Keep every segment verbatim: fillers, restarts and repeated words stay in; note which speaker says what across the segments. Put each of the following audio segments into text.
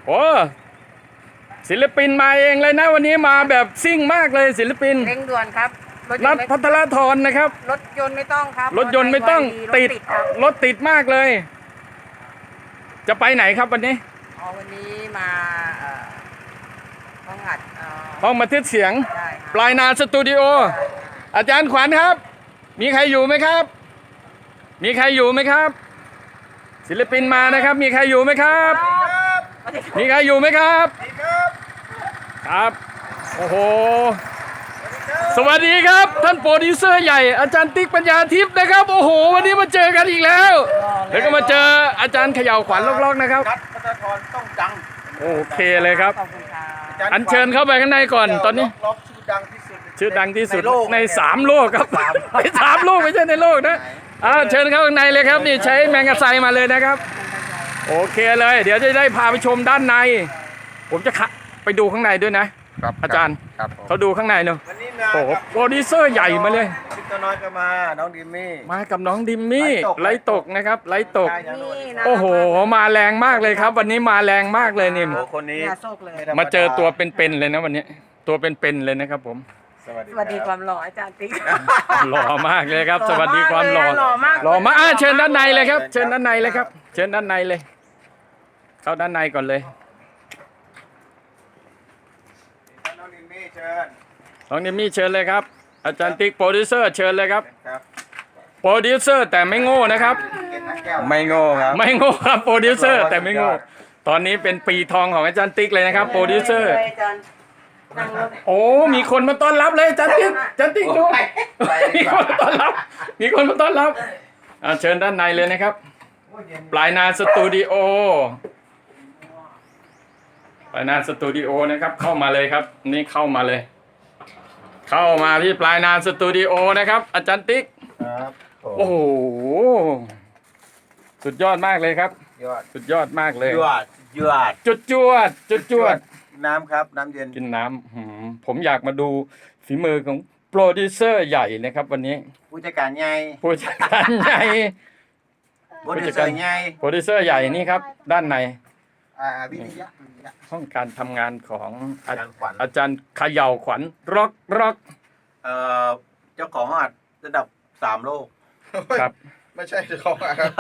Speaker 1: โอ้ศิลปินมาเองเลยนะวันนี้มาแบบซิ่งมากเลยศิลปิน
Speaker 2: เร่งด่วนครับรถย
Speaker 1: นั
Speaker 2: น
Speaker 1: ท
Speaker 2: ต์ไม่
Speaker 1: พัทรธรนะครับ
Speaker 2: รถยนต์ไม่ต้องครับ
Speaker 1: รถยนต์ไม่ต้อง
Speaker 2: รถ
Speaker 1: ติด
Speaker 2: ครับ
Speaker 1: รถติดมากเลย จะไปไหนครับวันนี้
Speaker 2: อ๋อวันนี้มาเอ่อห้องอัดเอ่อ
Speaker 1: ห้องบันทึกเสียง
Speaker 2: ได้ครับ
Speaker 1: ปลายนาสตูดิโออาจารย์ขวัญครับ มีใครอยู่ไหมครับ มีใครอยู่ไหมครับ ศิลปินมานะครับ มีใครอยู่ไหมครับ มีใครอยู่ไหมครับ ครับโอ้โหสวัสดีครับ ท่านโปรดิวเซอร์ใหญ่อาจารย์ติ๊กปัญญาทิพย์นะครับโอ้โหวันนี้มาเจอกันอีกแล้วแล้วก็มาเจออาจารย์เขย่าขวัญล็อกๆนะครับ
Speaker 3: นัดพัฒธรต้องดัง
Speaker 1: โอเคเลยครับ
Speaker 2: ขอบคุณครับ
Speaker 1: อัญเชิญเข้าไปข้างในก่อนตอนนี้
Speaker 3: ล็อกชื่อดังที่สุด
Speaker 1: ชื่อดังที่สุด
Speaker 3: ในโลก
Speaker 1: ในสามโลกครับในสามโลกไม่ใช่ในโลกนะอ่าเชิญเข้าข้างในเลยครับนี่ใช้แมงกะไซมาเลยนะครับ โอเคเลย เดี๋ยวจะได้พาไปชมด้านใน ผมจะไปดูข้างในด้วยนะ
Speaker 3: ครับ
Speaker 1: อาจารย์
Speaker 3: ครับผม
Speaker 1: เขาดูข้างในเนอะ
Speaker 3: วันนี้มา
Speaker 1: โอ้โหโปรดิวเซอร์ใหญ่มาเลย
Speaker 3: พี่ตัวน้อยก็มาน้องดิมมี่
Speaker 1: มากับน้องดิมมี่ไลฟ์ตกนะครับไลฟ์ตก
Speaker 2: นี่นะ
Speaker 1: โอ้โหมาแรงมากเลยครับ วันนี้มาแรงมากเลยนี่
Speaker 3: โอ้คนนี้
Speaker 2: อย่าโซกเลย
Speaker 3: ไธรรด
Speaker 1: มาเจอตัวเป็นๆเลยนะวันนี้ ตัวเป็นๆเลยนะครับผม
Speaker 3: สวัสดี
Speaker 2: สวัสดี
Speaker 3: ค
Speaker 2: ครับ วามหล่ออาจารย์ติ๊ก
Speaker 1: หล่อมากเลยครับ สวัสดีความหล่อ
Speaker 2: หล่อมาก
Speaker 1: หล่อมากอ่ะเชิญด้านในเลยครับ เชิญด้านในเลยครับ เชิญด้านในเลย เข้าด้านในก่อนเลย
Speaker 3: น้องดิมมี่เชิญ
Speaker 1: น้องดิมมี่เชิญเลยครับ อาจารย์ติ๊กโปรดิวเซอร์เชิญเลยครับ
Speaker 3: ครับ
Speaker 1: โปรดิวเซอร์แต่ไม่โง่นะครับ
Speaker 3: ไม่โง่ครับ
Speaker 1: ไม่โง่ครับโปรดิวเซอร์แต่ไม่โง่ ตอนนี้เป็นปีทองของอาจารย์ติ๊กเลยนะครับโปรดิวเซอร์
Speaker 2: อาจารย์นั่งรถ
Speaker 1: โอ้ มีคนมาต้อนรับเลยอาจารย์ติ๊กอาจารย์ติ๊กดู มีคนมาต้อนรับ มีคนมาต้อนรับอ่าเชิญด้านในเลยนะครับ ปลายนาสตูดิโอ ปลายนาสตูดิโอนะครับ เข้ามาเลยครับ นี่เข้ามาเลย เข้ามาที่ปลายนาสตูดิโอนะครับ อาจารย์ติ๊ก
Speaker 3: ครับผม
Speaker 1: โอ้โห สุดยอดมากเลยครับ
Speaker 3: ยอด
Speaker 1: สุดยอดมากเลย
Speaker 3: ยอดยอด
Speaker 1: จุดจวด จุดจวด
Speaker 3: น้ำครับน้ำเย็น
Speaker 1: กินน้ำหืมผมอยากมาดูฝีมือของโปรดิวเซอร์ใหญ่นะครับ วันนี้
Speaker 3: ผู้จัดการใหญ่
Speaker 1: ผู้จัดการใหญ่
Speaker 3: ผู้จัดการใหญ่
Speaker 1: โปรดิวเซอร์ใหญ่นี่ครับ ด้านใน
Speaker 3: อ่าวิทยาวิทยา
Speaker 1: ห้องการทำงานของอา
Speaker 3: อาจารย์ขวัญ
Speaker 1: อาจารย์เขย่าขวัญร็อกร็อก
Speaker 3: เอ่อเจ้าของห้องอัดระดับสามโลก
Speaker 1: ครับ
Speaker 4: ไม่ใช่เจ้าของอะครับ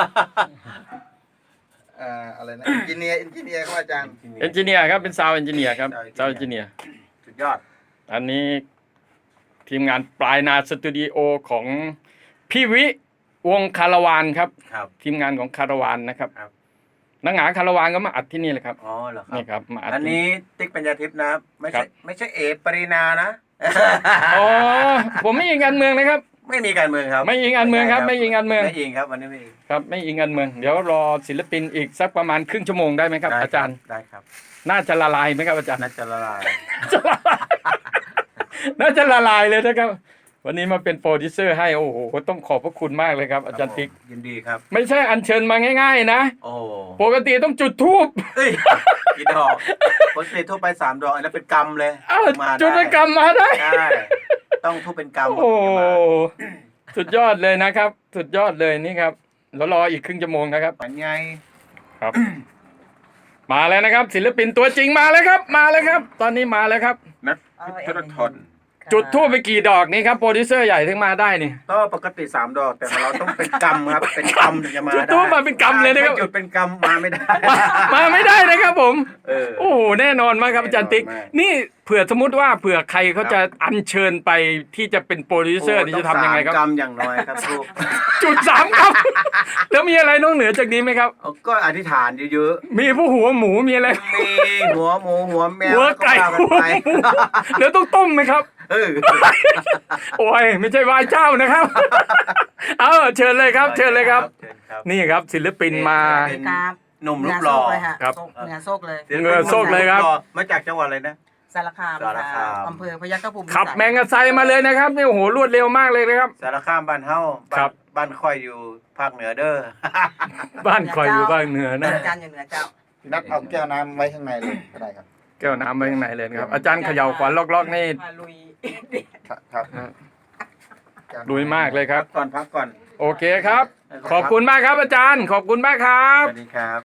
Speaker 4: อ่าอะไรนะอินจิเนียร์อินจิเนียร์ครับอาจารย์
Speaker 1: เอนจิเนียร์ครับเป็นซาวเอนจิเนียร์ครับซาวเอนจิเนียร์
Speaker 3: สุดยอด
Speaker 1: อันนี้ทีมงานปลายนาสตูดิโอของพี่วิวงคาราวานครับ
Speaker 3: ครับ
Speaker 1: ทีมงานของคาราวานนะครับ
Speaker 3: ครับ
Speaker 1: นักหนาคาราวานก็มาอัดที่นี่เลยครับ
Speaker 3: อ๋อเหรอครั
Speaker 1: นี่ครับมาอัด
Speaker 3: อัน
Speaker 1: ที่
Speaker 3: นี้ติ๊กปัญญาทิพย์นะไม่
Speaker 1: ครั
Speaker 3: ใช่
Speaker 1: บ
Speaker 3: ไม่ใช่เอปรินานะ
Speaker 1: อ๋อผมไม่อิงการเมืองนะครับ
Speaker 3: ไม่มีการเมืองครับ
Speaker 1: ไม่อิงการเมืองครับไม่อิงการเมือง
Speaker 3: ไม่อิงครับวันนี้ไม่อิง
Speaker 1: ครับไม่อิงการเมือง เดี๋ยวรอศิลปินอีกสักประมาณครึ่งชั่วโมงได้ไหมครับ
Speaker 3: ได้
Speaker 1: อาจารย์
Speaker 3: ได้ครับ
Speaker 1: น่าจะละลายไหมครับอาจารย์
Speaker 3: น่าจะละลาย
Speaker 1: จะละลายน่าจะละลายเลยนะครับ วันนี้มาเป็นโปรดิวเซอร์ให้โอ้โหต้องขอบพระคุณมากเลยครับ อาจารย์ติ๊ก
Speaker 3: ยินดีครับ
Speaker 1: ไม่ใช่อัญเชิญมาง่าย ๆ นะ
Speaker 3: โอ้
Speaker 1: ปกติต้องจุดธูป
Speaker 3: เอ้ยกี่ดอกคนเสทั่วไปสามดอกอันนั้นเป็นกรรมเลย
Speaker 1: อ้าว
Speaker 3: มาได้
Speaker 1: จุดเป็นกรรมมาได้
Speaker 3: ใช่ต้องทุบเป็นกรรม
Speaker 1: โอ้โหสุดยอดเลยนะครับ สุดยอดเลยนี่ครับแล้วรออีกครึ่งชั่วโมงนะครับ
Speaker 3: มันไง
Speaker 1: ครับ มาแล้วนะครับ ศิลปินตัวจริงมาแล้วครับ มาแล้วครับ ตอนนี้มาแล้วครับ
Speaker 3: นัดพุทธทน
Speaker 1: จุดทูบไปกี่ดอกนี่ครับโปรดิวเซอร์ใหญ่ถึงมาได้นี่
Speaker 3: ก็ปกติสามดอกแต่ของเราต้องเป็นกรรมครับ เป็นกรรมถึงจะมา
Speaker 1: จุด
Speaker 3: ได้
Speaker 1: ทูบมาเป็นกรรมเลยนะครับ
Speaker 3: ไม่จุดเป็นกรรมมาไม่ได้
Speaker 1: มาไม่ได้นะครับผม
Speaker 3: เออ
Speaker 1: โอ้โหแน่นอนมากครับอาจารย์ติ๊ก
Speaker 3: แน่นอนมาก
Speaker 1: นี่เผื่อสมมติว่าเผื่อใครเขาจะอัญเชิญไปที่จะเป็นโปรดิวเซอร์นี่จะทำยังไงครับ
Speaker 3: ต้องสามกรรมอย่างน้อยครับทุก
Speaker 1: จุดสามครับ แล้วมีอะไรนอกเหนือจากนี้ไหมครับ
Speaker 3: เอาก็อธิษฐานเยอะ
Speaker 1: มีผู้หัวหมูมีอะไร
Speaker 3: ๆมีหัวหมูหัวแมว
Speaker 1: หัวไก่
Speaker 3: แล้ว
Speaker 1: หัว
Speaker 3: ว่า
Speaker 1: ห
Speaker 3: กัน
Speaker 1: มู
Speaker 3: ไป
Speaker 1: แล้วต้องต้มไหมครับ
Speaker 3: เออ
Speaker 1: โอ้ยไม่ใช่ไหว้เจ้านะครับ เอาเชิญเลยครับ เชิญเลยครับ
Speaker 3: เชิญครับ
Speaker 1: นี่ครับศิลปินมา
Speaker 3: เป็น
Speaker 2: ครับ
Speaker 3: หนุ่มรูปหล่อ
Speaker 1: ครับ
Speaker 2: เหนือโซกเลย
Speaker 1: เหงื่อโซกเลยครับ
Speaker 3: มาจากจังหวัดอะไรนะ
Speaker 2: สารคาม
Speaker 3: สารคาม
Speaker 2: อำเภอพยัคฆภูมิ
Speaker 1: ขับแมงกะไซมาเลยนะครับนี่โอ้โหรวดเร็วมากเลยนะครับ
Speaker 3: สารคามบ้านเฮาาน
Speaker 1: ครับ
Speaker 3: บ้านค่อยอยู่ภาคเหนือเด้อ
Speaker 1: บ้านคอยอยู่บ้านเหนือนะ
Speaker 2: อาจารย์อยู่เหนือเจ้า
Speaker 4: นัดเอาแก้วน้ำไว้ข้างในเลยก็ได้ครับ
Speaker 1: แก้วน้ำไว้ข้างในเลยนะครับอาจารย์เขย่าขวัญล็อกๆนี่
Speaker 2: พาลุย
Speaker 4: ครับครับ
Speaker 1: ลุยมากเลยครับ
Speaker 3: พักก่อนพักก่อน
Speaker 1: โอเคครับ ขอบคุณมากครับอาจารย์ ขอบคุณมากครับ
Speaker 3: สวัสดีครับ